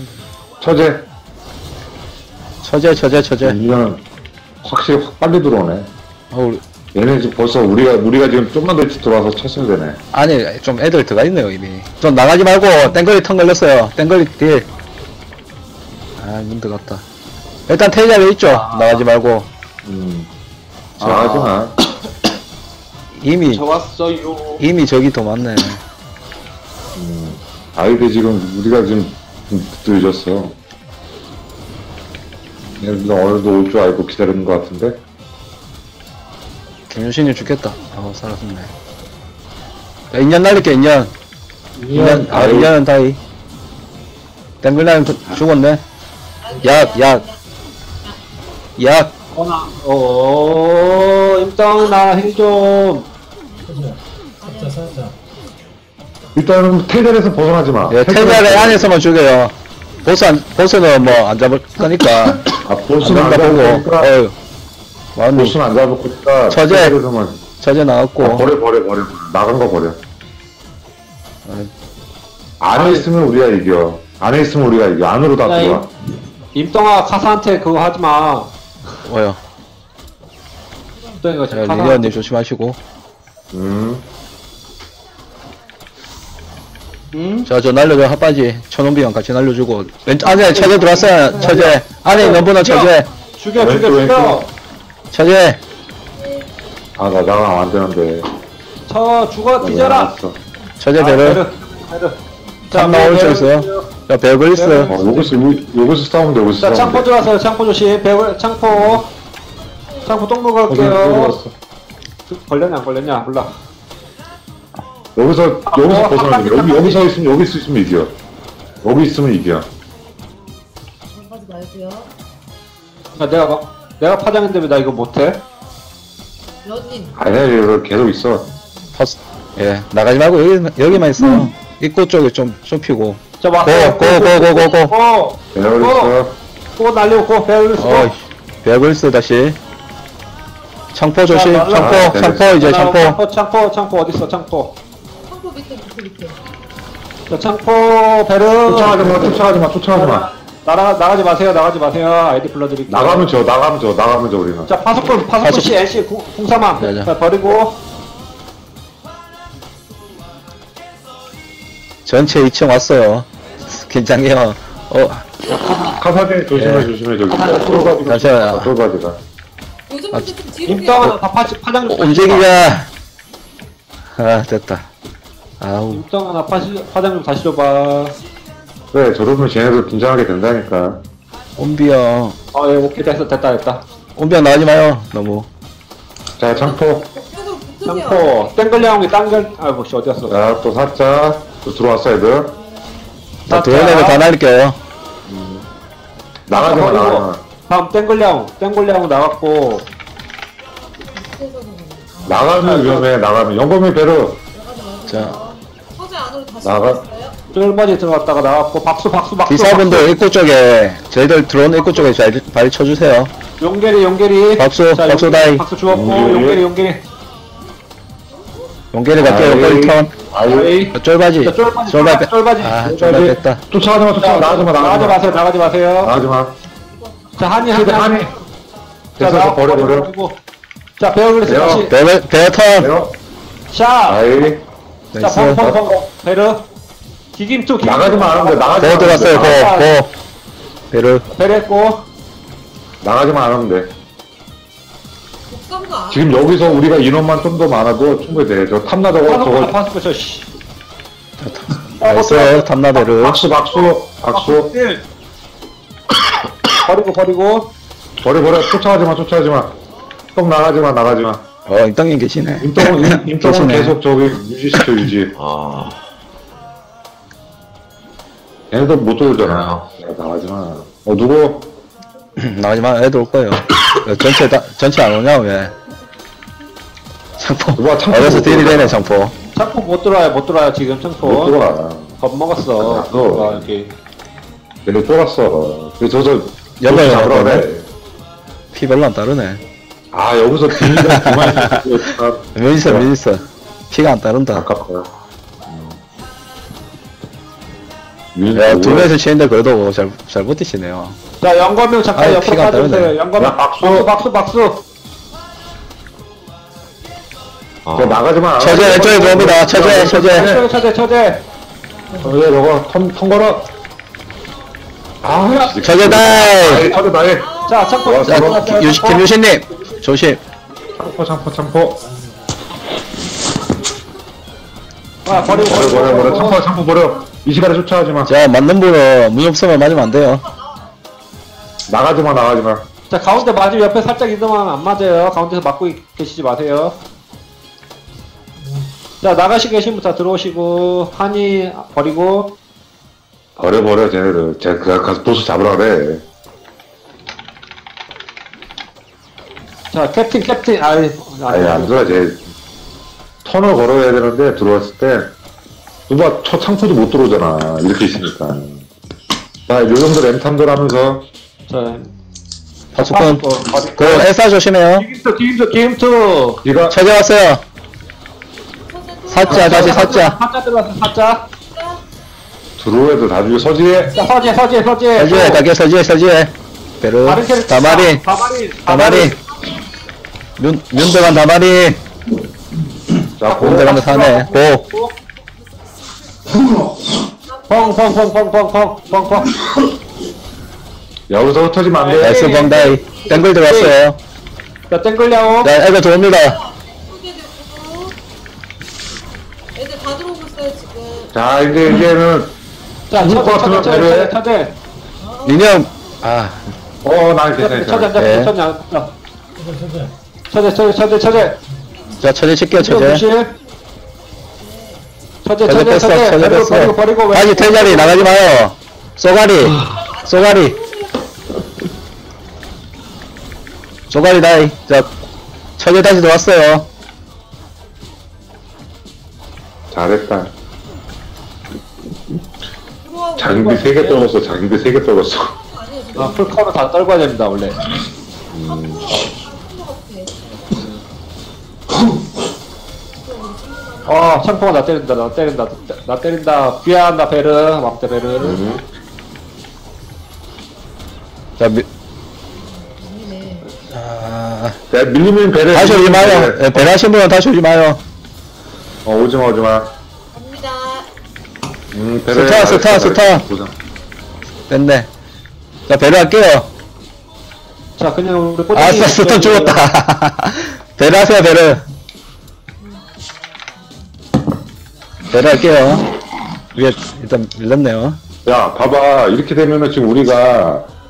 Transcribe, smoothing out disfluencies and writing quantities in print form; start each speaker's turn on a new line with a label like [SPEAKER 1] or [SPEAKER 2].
[SPEAKER 1] 처제. 이거는 확실히 확 빨리 들어오네. 얘네 지금 벌써 우리가 지금 좀만 더 일찍 들어와서 쳤으면 되네.
[SPEAKER 2] 아니, 좀 애들 들어가 있네요, 이미. 좀 나가지 말고, 땡거리 턱 걸렸어요. 땡거리 딜. 아, 문 들어갔다. 일단 테이저에 있죠? 나가지 말고.
[SPEAKER 1] 나가지 마.
[SPEAKER 2] 이미 저기 더 많네.
[SPEAKER 1] 아이들 지금 우리가 지금 늦었어. 얘네들 오늘도 올 줄 알고 기다리는 것 같은데.
[SPEAKER 2] 김윤신이 죽겠다. 살았네. 야, 인연 날릴게, 인연. 인연은 다이. 땡글라임 죽었네. 약.
[SPEAKER 3] 임당 나 힐 좀.
[SPEAKER 1] 일단은 테이블에서 벗어나지 마.
[SPEAKER 2] 예, 테이블 안에서만 죽여요. 보스는 뭐 안 잡을 거니까.
[SPEAKER 1] 보스는 안 잡을 거니까. 보스는 안 잡을 거니까.
[SPEAKER 2] 처제 나왔고.
[SPEAKER 1] 버려. 나간 거 버려. 안에 있으면 우리가 이겨. 안으로 다 들어와.
[SPEAKER 3] 임동아 카사한테 그거 하지마.
[SPEAKER 2] 뭐요?
[SPEAKER 3] 임동이가 지금
[SPEAKER 2] 리리언님 조심하시고. 저 날려줘, 핫바지. 천원비랑 같이 날려주고. 안에 처제 들어왔어요, 처제. 안에 있는 분은 처제.
[SPEAKER 3] 죽여.
[SPEAKER 2] 처제.
[SPEAKER 1] 나 나가면 안 되는데.
[SPEAKER 3] 죽어, 뒤져라.
[SPEAKER 2] 처제 배를. 참 나올 수 있어요. 자, 배글 있어.
[SPEAKER 1] 여기서 싸우면 돼, 여기서
[SPEAKER 3] 자,
[SPEAKER 1] 싸우면
[SPEAKER 3] 창포
[SPEAKER 1] 돼.
[SPEAKER 3] 들어왔어요. 창포 조심. 창포 똥 먹을게요. 걸렸냐, 안 걸렸냐, 몰라.
[SPEAKER 1] 여기서 벗어나야 돼. 여기서 있으면 이겨. 여기 있으면 이겨.
[SPEAKER 4] 하지 말고요.
[SPEAKER 3] 내가 파장인데 왜 나 이거 못해?
[SPEAKER 4] 여진.
[SPEAKER 1] 아니야, 여기 계속 있어.
[SPEAKER 2] 예, 나가지 말고 여기만 있어. 입구 쪽에 좀 피고.
[SPEAKER 3] 자, 고.
[SPEAKER 1] 배열 있어.
[SPEAKER 3] 고 날리고, 배열 쓰고.
[SPEAKER 2] 배글스 다시. 창포 조심, 창포 이제 창포.
[SPEAKER 3] 창포 어딨어, 창포.
[SPEAKER 4] 창포 밑에.
[SPEAKER 3] 자, 창포, 베르.
[SPEAKER 1] 쫓아가지 마.
[SPEAKER 3] 나가지 마세요. 아이디 불러드릴게요.
[SPEAKER 1] 나가면 져, 우리는.
[SPEAKER 3] 자, 파수꾼 씨, NC, 궁사망. 자, 버리고.
[SPEAKER 2] 전체 2층 왔어요. 긴장해요.
[SPEAKER 1] 카사딘 조심해, 저기.
[SPEAKER 2] 잠시만요.
[SPEAKER 1] 쫄바지가.
[SPEAKER 4] 요즘 근데 좀 뒤로
[SPEAKER 3] 임땅아, 파장 좀.
[SPEAKER 2] 움직이자. 됐다.
[SPEAKER 3] 임땅아, 나 파장 좀 다시 줘봐.
[SPEAKER 1] 그래, 저러면 쟤네들 긴장하게 된다니까.
[SPEAKER 2] 온비형.
[SPEAKER 3] 예, 오케이, 됐다.
[SPEAKER 2] 온비형 나가지 마요, 너무.
[SPEAKER 1] 자, 창포.
[SPEAKER 3] 창포, 땡글량이 아이고, 씨, 어디갔어?
[SPEAKER 1] 자, 또 살짝. 또 들어왔어, 애들.
[SPEAKER 2] 자, 도현이를 다 날릴게요.
[SPEAKER 1] 나가지 마.
[SPEAKER 3] 다음 땡글량 나갔고.
[SPEAKER 1] 나가면 위험해, 영범이 베르.
[SPEAKER 2] 자.
[SPEAKER 4] 서재 안으로 다시
[SPEAKER 1] 나가.
[SPEAKER 3] 쫄바지 들어갔다가 나갔고, 박수.
[SPEAKER 2] 기사분들 입구 쪽에, 저희들 들어온 입구 쪽에 발 쳐주세요.
[SPEAKER 3] 용계리.
[SPEAKER 2] 박수 다이.
[SPEAKER 3] 박수 주었고, 용계리.
[SPEAKER 2] 용계리 갈게요, 용계리 턴. 쫄바지. 쫄바지 됐다.
[SPEAKER 1] 쫓아가지 마.
[SPEAKER 3] 나가지 마세요. 자, 한이.
[SPEAKER 1] 됐어, 버려.
[SPEAKER 3] 자, 베어글리스 다시.
[SPEAKER 2] 베어 턴.
[SPEAKER 3] 샷.
[SPEAKER 1] 아이.
[SPEAKER 3] 자, 펑. 베르. 기김투.
[SPEAKER 1] 나가지 마.
[SPEAKER 2] 베어 들어갔어요, 베르.
[SPEAKER 3] 베르했고.
[SPEAKER 1] 나가지만 안 하면 돼.
[SPEAKER 4] 독감도 안.
[SPEAKER 1] 지금 여기서 우리가 인원만 좀 더 많아도 충분히 돼. 저 탐나다고 저거.
[SPEAKER 3] 파스코, 씨.
[SPEAKER 2] 나이스, 탐나베르.
[SPEAKER 1] 박수.
[SPEAKER 3] 버리고.
[SPEAKER 1] 버려. 쫓아가지 마. 똥 나가지 마.
[SPEAKER 2] 임땅님 계시네.
[SPEAKER 1] 임동은
[SPEAKER 2] 계시네.
[SPEAKER 1] 계속 저기 유지시켜, 유지. 얘네도 못 돌잖아. 나가지 마. 누구?
[SPEAKER 2] 나가지 마, 애들 올 거예요. 전체 안 오냐, 왜? 창포.
[SPEAKER 1] 누가 창포
[SPEAKER 2] 어려서
[SPEAKER 1] 못
[SPEAKER 2] 딜이
[SPEAKER 1] 들어가.
[SPEAKER 2] 되네, 창포.
[SPEAKER 3] 창포 못 들어와요, 지금 창포.
[SPEAKER 1] 못 들어가.
[SPEAKER 3] 겁먹었어. 이렇게.
[SPEAKER 1] 얘네 쫄았어. 그래서
[SPEAKER 2] 여봐요,
[SPEAKER 1] 잡으라
[SPEAKER 2] 나오네.
[SPEAKER 1] 그래.
[SPEAKER 2] 피 별로 안 따르네.
[SPEAKER 1] 여기서 비니가 그만
[SPEAKER 2] 면 있어. 피가 안 따른다.
[SPEAKER 1] 아깝다.
[SPEAKER 2] 야, 두 명이서 치는데 그래도 잘 버티시네요.
[SPEAKER 3] 자, 영검명 잠깐
[SPEAKER 2] 아유,
[SPEAKER 3] 옆으로
[SPEAKER 2] 피가 안
[SPEAKER 3] 빠져주세요.
[SPEAKER 2] 떨어지네.
[SPEAKER 3] 영검명
[SPEAKER 1] 야, 박수. 저 나가지 마.
[SPEAKER 2] 처제 왼쪽에 들어옵니다. 처제.
[SPEAKER 3] 처제.
[SPEAKER 1] 왜 너가 턴 걸어? 아,
[SPEAKER 2] 처제 다이.
[SPEAKER 1] 처제 나이.
[SPEAKER 3] 자, 창포.
[SPEAKER 2] 자, 김유신님 조심.
[SPEAKER 1] 창포.
[SPEAKER 3] 아, 버리고.
[SPEAKER 1] 버려. 창포 버려. 이 시간에 쫓아가지 마.
[SPEAKER 2] 자, 맞는 분은 무협성을 맞으면 안 돼요.
[SPEAKER 1] 나가지 마.
[SPEAKER 3] 자, 가운데 맞으면 옆에 살짝 이동하면 안 맞아요. 가운데서 맞고 계시지 마세요. 자, 나가시고 계신 분 다 들어오시고, 한이 버리고.
[SPEAKER 1] 버려, 쟤네들. 쟤 가서 보스 잡으라 그래.
[SPEAKER 3] 자, 캡틴.
[SPEAKER 1] 아니, 안 들어와, 쟤. 턴을 걸어야 되는데, 들어왔을 때, 누가 첫 창포도 못 들어오잖아. 이렇게 있으니까. 자, 요 정도 램탐들 하면서,
[SPEAKER 3] 자,
[SPEAKER 2] 파수꾼.
[SPEAKER 3] 버리고.
[SPEAKER 2] 그 엘사 조심해요.
[SPEAKER 3] 기임투.
[SPEAKER 1] 네가
[SPEAKER 2] 처제 왔어요. 사자 다시 사자.
[SPEAKER 3] 사자 들어왔어, 사자.
[SPEAKER 1] 들어오애들 다 죽여, 서지에.
[SPEAKER 3] 자, 서지에.
[SPEAKER 2] 서지에 가게 서지에. 베르.
[SPEAKER 3] 다른 캐릭터.
[SPEAKER 2] 다마린. 윤대관 다마린.
[SPEAKER 1] 자,
[SPEAKER 2] 윤대관 사네. 고.
[SPEAKER 3] 펑.
[SPEAKER 1] 여기서 흩어지면 안 돼.
[SPEAKER 2] 나이스 벙다이. 땡글 들어왔어요.
[SPEAKER 3] 자, 땡글려오.
[SPEAKER 2] 자, 애들 들어옵니다.
[SPEAKER 4] 애들 다 들어오고 있어요 지금.
[SPEAKER 1] 자, 이제는,
[SPEAKER 3] 자,
[SPEAKER 1] 죽을 것 같으면 배려해.
[SPEAKER 3] 처제.
[SPEAKER 2] 민영. 아,
[SPEAKER 1] 난 괜찮아.
[SPEAKER 2] 네.
[SPEAKER 3] 처제.
[SPEAKER 2] 자, 처제 칠게요, 처제.
[SPEAKER 3] 처제
[SPEAKER 2] 뺐어.
[SPEAKER 3] 버리고
[SPEAKER 2] 다시 텔자리 나가지 마요. 쏘가리 다이. 자, 처제 다시 들어왔어요.
[SPEAKER 1] 잘했다.
[SPEAKER 4] 들어와고
[SPEAKER 1] 장비 3개 떨궜어.
[SPEAKER 4] 아니에요 지금.
[SPEAKER 3] 아, 풀카운트 다 떨궈야 됩니다, 원래.
[SPEAKER 4] 한것 같아.
[SPEAKER 3] 창포가 나 때린다. 귀한다, 베르. 막대 베르.
[SPEAKER 2] 자,
[SPEAKER 4] 아니네.
[SPEAKER 2] 아,
[SPEAKER 1] 야, 밀리면 배려.
[SPEAKER 2] 다시 오지 마요. 예, 배라신 분은 다시 오지 마요.
[SPEAKER 1] 오지 마.
[SPEAKER 4] 갑니다.
[SPEAKER 1] 배려.
[SPEAKER 2] 스타. 뺐네. 자, 배려 할게요.
[SPEAKER 3] 자, 그냥 우리
[SPEAKER 2] 아싸, 스턴 죽었다. 배려 하세요, 배려. 배려 할게요. 위에 일단 밀렸네요.
[SPEAKER 1] 야, 봐봐. 이렇게 되면은 지금 우리가